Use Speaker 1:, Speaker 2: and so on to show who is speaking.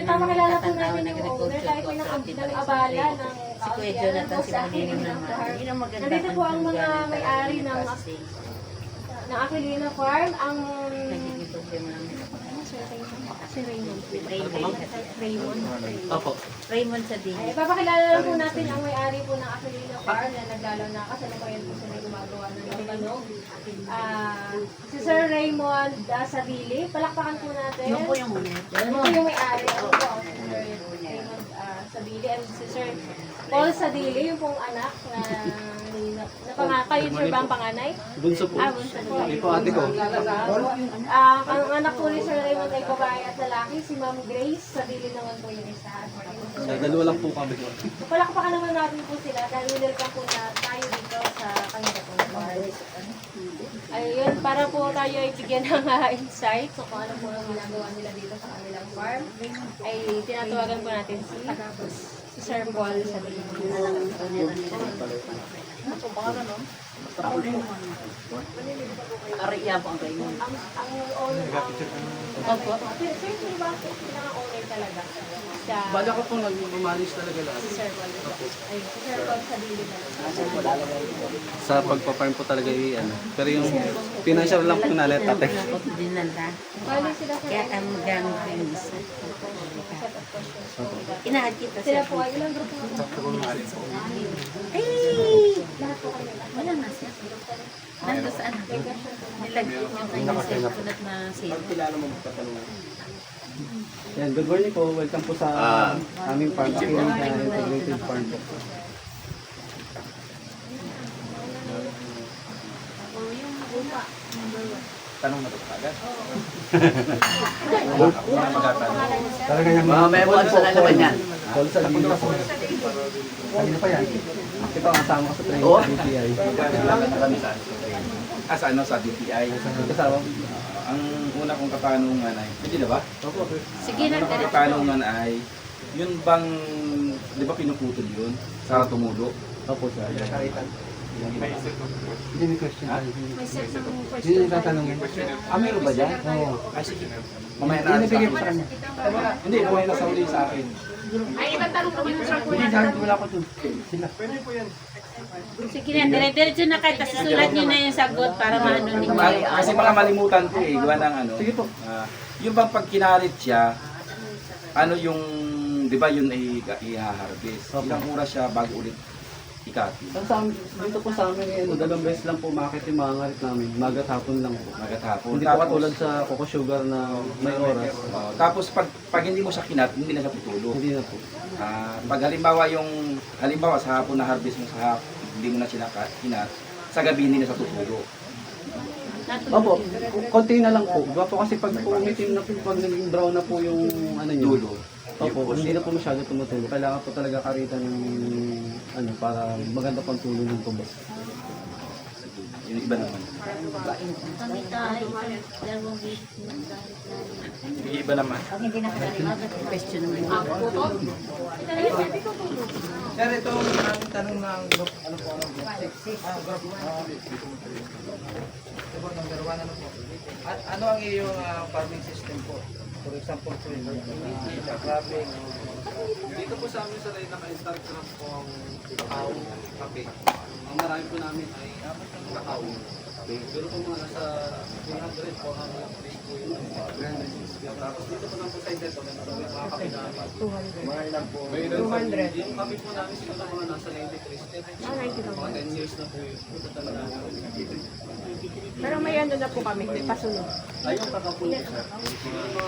Speaker 1: ipapakilala po natin yung owner kahit may nang-abala ng
Speaker 2: Si Kuya Jonathan, si Malilim naman. Yun ang maganda.
Speaker 1: nandito po ang mga may-ari ng Aquilina Farm, ang
Speaker 2: Nagiging problema namin.
Speaker 1: si Raymond.
Speaker 2: Raymond.
Speaker 3: Opo.
Speaker 2: Raymond sa din.
Speaker 1: Ay, ipapakilala lang po natin ang may-ari po ng Aquilina Farm na naglalaw na kasalukuyan po sila gumagawa ng labanog. Si Sir Raymond Sabili, palakpakan po natin.
Speaker 2: Yun po yung muna.
Speaker 1: Ito yung may-ari. Ano po, si Sir Raymond Sabili and si Sir Paul Sadili, yung pong anak na kayo sir ba ang panganay?
Speaker 3: Bunso po.
Speaker 1: Bunso po.
Speaker 3: Hindi po ate ko.
Speaker 1: Ang anak po ni Sir Raymond ay babae at lalaki, si Ma'am Grace Sadili naman po yung isa.
Speaker 3: Sa dalawa lang po kami.
Speaker 1: So, palakpakan naman natin po sila dahil welcome po na tayo dito sa kanila po. Ayun, para po tayo ay bigyan ng insight so kung ano po ang ginagawa nila dito sa kanilang farm, ay tinatawagan po natin si Sir Paul Sadili.
Speaker 2: Ariya po ang Raymond.
Speaker 1: Ang owner,
Speaker 2: Opo.
Speaker 1: sir, sino ba ang pinaka-owner talaga? Siya,
Speaker 3: Bala ko pong nag-manage talaga lahat.
Speaker 1: si Sir Paul. Ayun, si Sir Paul Sadili talaga.
Speaker 3: Sa pagpa-farm po talaga ano. Pero yung financial lang po nalit ate.
Speaker 2: Dinala.
Speaker 1: Bali sila sir.
Speaker 2: Kaya ang gang yung isa.
Speaker 1: Set of questions.
Speaker 2: Inaad kita
Speaker 1: Sila
Speaker 2: sa...
Speaker 1: po ay ilang grupo na
Speaker 2: Ay!
Speaker 1: lahat po kayo.
Speaker 2: Wala na siya. Nando sa ano? Nilagyan yung kanyang cellphone na cellphone.
Speaker 3: Yan, good morning po. Welcome po sa aming farm. Aquilina Integrated Farm po.
Speaker 4: Tanong na ito agad.
Speaker 3: Talaga yung
Speaker 4: Mamaya mo ano sa lalaban yan?
Speaker 3: Paul sa dito. Kanina pa yan. Ito ang kasama ko sa training
Speaker 4: Oo.
Speaker 3: sa DTI.
Speaker 4: Sa ano sa DTI.
Speaker 3: Kasama.
Speaker 4: Ang una kong katanungan ay, hindi na ba?
Speaker 3: Opo.
Speaker 2: Sige na,
Speaker 4: Ang una kong
Speaker 2: diretso.
Speaker 4: katanungan ay, yun bang, di ba pinuputol yun? Sa tumulo?
Speaker 3: Opo sir. Hindi may question.
Speaker 1: May set ng
Speaker 3: Hindi
Speaker 1: questions.
Speaker 3: yung tatanungin.
Speaker 4: Meron ba dyan?
Speaker 3: Oo.
Speaker 4: Ay, sige. Mamaya
Speaker 3: Hindi
Speaker 4: na
Speaker 3: nabigay
Speaker 4: sa
Speaker 3: po sa
Speaker 4: akin.
Speaker 3: kanya.
Speaker 4: Hindi, mamaya na sa uli sa akin.
Speaker 1: Ay, ibang tanong po yun sa
Speaker 3: Hindi, dahil wala ko dun. Sila.
Speaker 2: Sige na, dire-diretso na kayo. Tapos susulat nyo na yung sagot para maano ninyo.
Speaker 4: Kasi mga malimutan ko eh, gawa ng ano.
Speaker 3: Sige po.
Speaker 4: Yung bang pag kinalit siya, ano yung, di ba yun ay i-harvest?
Speaker 3: Opo.
Speaker 4: Ilang oras siya bago ulit ikati?
Speaker 3: Dito po sa amin, dalawang beses lang po makakit yung mga ngarit namin. Magat hapon lang po.
Speaker 4: Magat hapon.
Speaker 3: Hindi po katulad sa Coco Sugar na may oras.
Speaker 4: Tapos pag hindi mo siya kinat, hindi na siya tutulog.
Speaker 3: Hindi na po.
Speaker 4: Pag halimbawa sa hapon na harvest mo sa hapon, hindi mo na siya kinat, sa gabi hindi na siya tutulog.
Speaker 3: Opo, konti na lang po. Diba po kasi pag umitim na po, pag naging brown na po yung ano nyo.
Speaker 4: Dulo.
Speaker 3: Opo, hindi na po masyado tumutulog. Kailangan po talaga karitan ng ano para maganda pang tulo ng tubo.
Speaker 4: Yung iba naman.
Speaker 2: Kami tayo. Dalawang weeks.
Speaker 4: Yung iba naman.
Speaker 2: Pag hindi nakakalimagat, question naman yung
Speaker 5: Sir, ito ang aming tanong ng group, ano po, group 6. Group, ito po, number 1, ano po. At ano ang iyong farming system po? For example po, yung cropping.
Speaker 3: Dito po sa amin sa rin naka-start crop po ang kakao, kape. Ang marami po namin ay kakao. Pero po mga nasa 300, 400 days po yung tapos dito po lang po sa ito, may mga kape namin. 200. Yung kape po namin siguro mga nasa 93. Mga 10 years na po yun. Ito talaga.
Speaker 1: Pero may ano na po kami, may pasunod.
Speaker 3: Ayun, kakapulo.